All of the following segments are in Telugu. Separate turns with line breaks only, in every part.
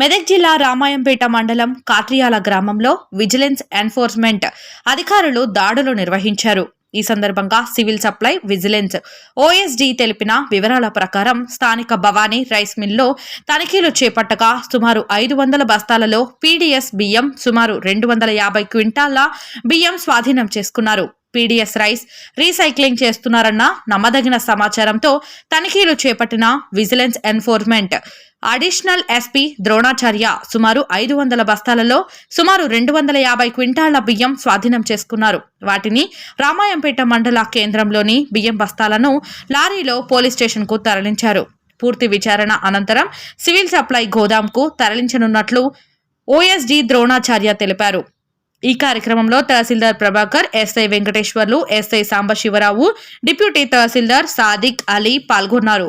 మెదక్ జిల్లా రామాయంపేట మండలం కాట్రియాల గ్రామంలో విజిలెన్స్ ఎన్ఫోర్స్మెంట్ అధికారులు దాడులు నిర్వహించారు. ఈ సందర్భంగా సివిల్ సప్లై విజిలెన్స్ ఓఎస్డీ తెలిపిన వివరాల ప్రకారం స్థానిక భవానీ రైస్ మిల్లో తనిఖీలు చేపట్టగా సుమారు 500 బస్తాలలో పీడీఎస్ బియ్యం, సుమారు 250 క్వింటాళ్ల బియ్యం స్వాధీనం చేసుకున్నారు. పీడీఎస్ రైస్ రీసైక్లింగ్ చేస్తున్నారన్న నమ్మదగిన సమాచారంతో తనిఖీలు చేపట్టిన vigilance enforcement additional SP Dronacharya సుమారు 500 బస్తాలలో సుమారు 250 క్వింటాళ్ల బియ్యం స్వాధీనం చేసుకున్నారు. వాటిని రామాయంపేట మండల కేంద్రంలోని బియ్యం బస్తాలను లారీలో పోలీస్ స్టేషన్కు తరలించారు. పూర్తి విచారణ అనంతరం సివిల్ సప్లై గోదాంకు తరలించనున్నట్లు ఓఎస్డీ ద్రోణాచార్య తెలిపారు. ఈ కార్యక్రమంలో tahsildar Prabhakar, SI Venkateswarlu, SI Sambasivarao, deputy tahsildar Sadiq Ali పాల్గొన్నారు.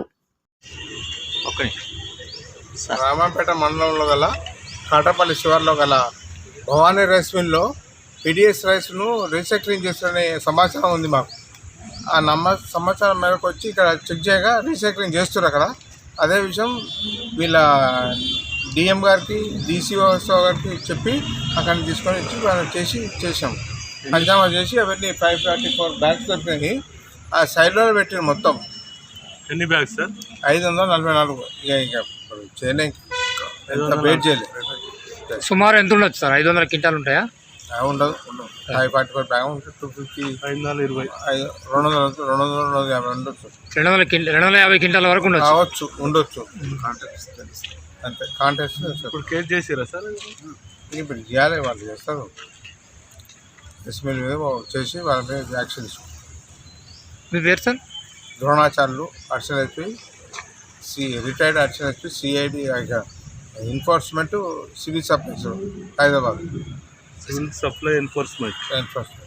రామాయంపేట మండలంలో గల కాటపల్లి శివార్లో గల భవానీ రైస్ మిల్లో పీడిఎస్ రైస్ను రీసైక్లింగ్ చేస్తున్న సమాచారం ఉంది మాకు. ఆ సమాచారం మేరకు వచ్చి ఇక్కడ చెక్ చేయగా రీసైక్లింగ్ చేస్తున్నారు అక్కడ. అదే విషయం వీళ్ళ డిఎం గారికి, డీసీఓ గారికి చెప్పి అక్కడిని తీసుకొని వచ్చి మనం చేసాం. పంచామా చేసి అవన్నీ 544 బ్యాగ్స్ దొరికినాయి. ఆ సైడ్లో పెట్టిన మొత్తం
ఎన్ని బ్యాగ్స్ సార్?
544. ఇక చేయలేం, వెయిట్ చేయలేదు.
సుమారు ఎంత ఉండొచ్చు సార్? 500 క్వింటాలు ఉంటాయా?
ఉండదు. 544 బ్యాగ్ ఉంటుంది. 250,
520,
250 ఉండొచ్చు.
250 క్వింటాల వరకు
ఉండొచ్చు. అంతే. కాంటెస్ట్
ఇప్పుడు కేసు చేసిరా సార్?
ఇప్పుడు చేయాలి, వాళ్ళు చేస్తారు. ఎస్ఎల్ మీద చేసి వాళ్ళ మీద యాక్షన్ తీసుకుంటారు.
మీ పేరు sir?
Dronacharyulu, additional SP, retired additional SP, CID enforcement, civil supplies Hyderabad.
Civil supply enforcement.